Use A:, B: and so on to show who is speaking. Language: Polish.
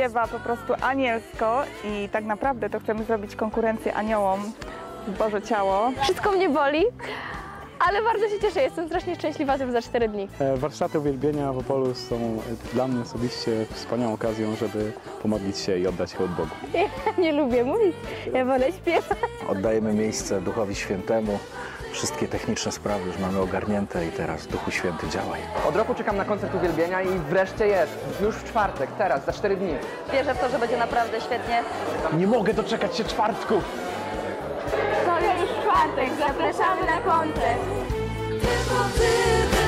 A: śpiewa po prostu anielsko i tak naprawdę to chcemy zrobić konkurencję aniołom w Boże Ciało.
B: Wszystko mnie boli, ale bardzo się cieszę, jestem strasznie szczęśliwa, że za 4 dni.
C: Warsztaty uwielbienia w Opolu są dla mnie osobiście wspaniałą okazją, żeby pomodlić się i oddać hołd Bogu.
B: Ja nie lubię mówić, ja wolę śpiewać.
D: Oddajemy miejsce Duchowi Świętemu. Wszystkie techniczne sprawy już mamy ogarnięte i teraz Duchu Święty działaj.
E: Od roku czekam na koncert uwielbienia i wreszcie jest. Już w czwartek, teraz, za 4 dni.
F: Wierzę w to, że będzie naprawdę świetnie.
C: Nie mogę doczekać się czwartku!
B: To już czwartek, zapraszamy na koncert.
G: Tylko ty.